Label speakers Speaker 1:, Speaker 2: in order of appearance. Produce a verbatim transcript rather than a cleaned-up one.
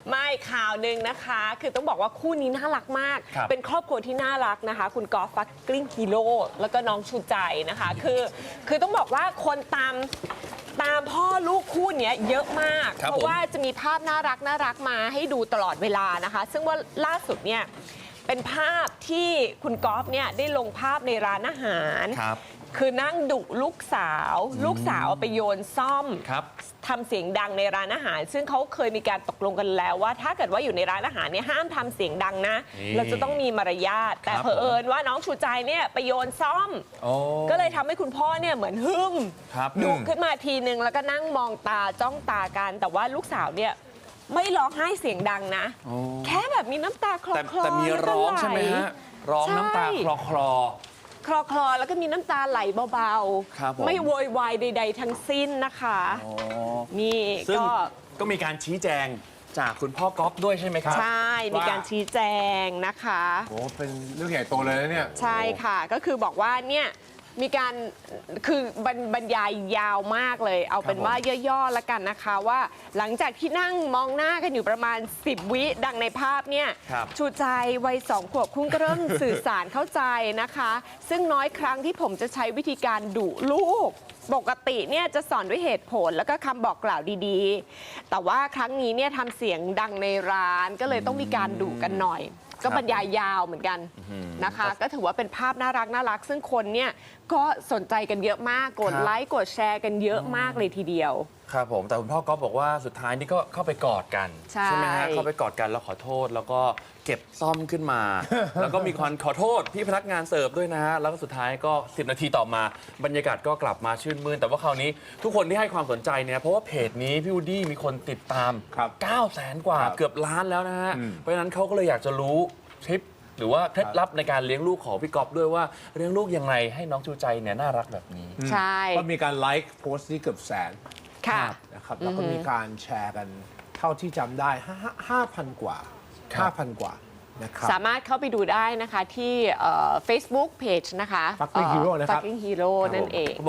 Speaker 1: ไม่ข่าวหนึ่งนะคะคือต้องบอกว่าคู่นี้น่ารักมาก เป็นครอบครัวที่น่ารักนะคะคุณกอล์ฟฟักกลิ้งฮีโร่แล้วก็น้องชูใจนะคะคือคือต้องบอกว่าคนตามตามพ่อลูกคู่นี้เยอะมากเพราะว่าจะมีภาพน่ารักน่ารักมาให้ดูตลอดเวลานะคะซึ่งว่าล่าสุดเนี่ยเป็นภาพที่คุณกอล์ฟเนี่ยได้ลงภาพในร้านอาหารคือนั่งดุลูกสาวลูกสาวไปโยนซ่อมทำเสียงดังในร้านอาหาร ซึ่งเขาเคยมีการตกลงกันแล้วว่าถ้าเกิดว่าอยู่ในร้านอาหารเนี่ยห้ามทำเสียงดังนะเราจะต้องมีมารยาทแต่เผอิญว่าน้องชูใจเนี่ยไปโยนซ่อมก็เลยทำให้คุณพ่อเนี่ยเหมือนหึ่มดุขึ้นมาทีนึงแล้วก็นั่งมองตาจ้องตากันแต่ว่าลูกสาวเนี่ยไม่ร้องไห้เสียงดังนะแค่แบบมีน้ำตาคลอคลอ
Speaker 2: แต่มีร้องใช่ไหมฮะร้องน้ำตาคลอคลอ
Speaker 1: คลอคลอแล้วก็มีน้ำตาไหลเบาๆไม่โวยวายใดๆทั้งสิ้นนะคะนี่ก็
Speaker 2: ก็มีการชี้แจงจากคุณพ่อก๊อฟด้วยใช่ไหมครับ
Speaker 1: ใช่มีการชี้แจงนะคะ
Speaker 3: โอ้เป็นเรื่องใหญ่โตเลยนะเนี่ย
Speaker 1: ใช่ค่ะก็คือบอกว่าเนี่ยมีการคือบรรยายยาวมากเลยเอาเป็นว่าย่อๆแล้วกันนะคะว่าหลังจากที่นั่งมองหน้ากันอยู่ประมาณสิบวิดังในภาพเนี่ยชูใจวัยสองขวบคุณก็เริ่มสื่อสารเข้าใจนะคะซึ่งน้อยครั้งที่ผมจะใช้วิธีการดุลูกปกติเนี่ยจะสอนด้วยเหตุผลแล้วก็คำบอกกล่าวดีๆแต่ว่าครั้งนี้เนี่ยทำเสียงดังในร้านก็เลยต้องมีการดุกันหน่อยก็บรรยายยาวเหมือนกันนะคะก็ถือว่าเป็นภาพน่ารักน่ารักซึ่งคนเนี่ยก็สนใจกันเยอะมากกดไลค์กดแชร์กันเยอะมากเลยทีเดียว
Speaker 2: ครับผมแต่คุณพ่อก๊อฟบอกว่าสุดท้ายนี่ก็เข้าไปกอดกันใช่ไหมฮะเข้าไปกอดกันแล้วขอโทษแล้วก็เก็บซ่อมขึ้นมา แล้วก็มีคนขอโทษพี่พนักงานเสิร์ฟด้วยนะฮะแล้วก็สุดท้ายก็สิบนาทีต่อมาบรรยากาศก็กลับมาชื่นมื่นแต่ว่าคราวนี้ทุกคนที่ให้ความสนใจเนี่ยเพราะว่าเพจนี้พี่วูดดี้มีคนติดตามเก้าแสนกว่าเกือบล้านแล้วนะฮะเพราะฉะนั้นเขาก็เลยอยากจะรู้ทริปหรือว่าเคล็ดลับในการเลี้ยงลูกของพี่ก๊อฟด้วยว่าเลี้ยงลูกยังไงให้น้องชูใจเนี่ยน่ารักแบบนี้
Speaker 1: ใช่
Speaker 3: ก็มีการไลค์โพสต์ที่เกือบแสนนะครับแล้วก็มีการแชร์กันเท่าที่จำได้ห้าพันกว่าห้าพันกว่านะครับ
Speaker 1: สามารถเข้าไปดูได้นะคะที่ Facebook Page นะคะ
Speaker 3: Fucking Hero นะครับ
Speaker 1: Fucking Hero นั่นเอง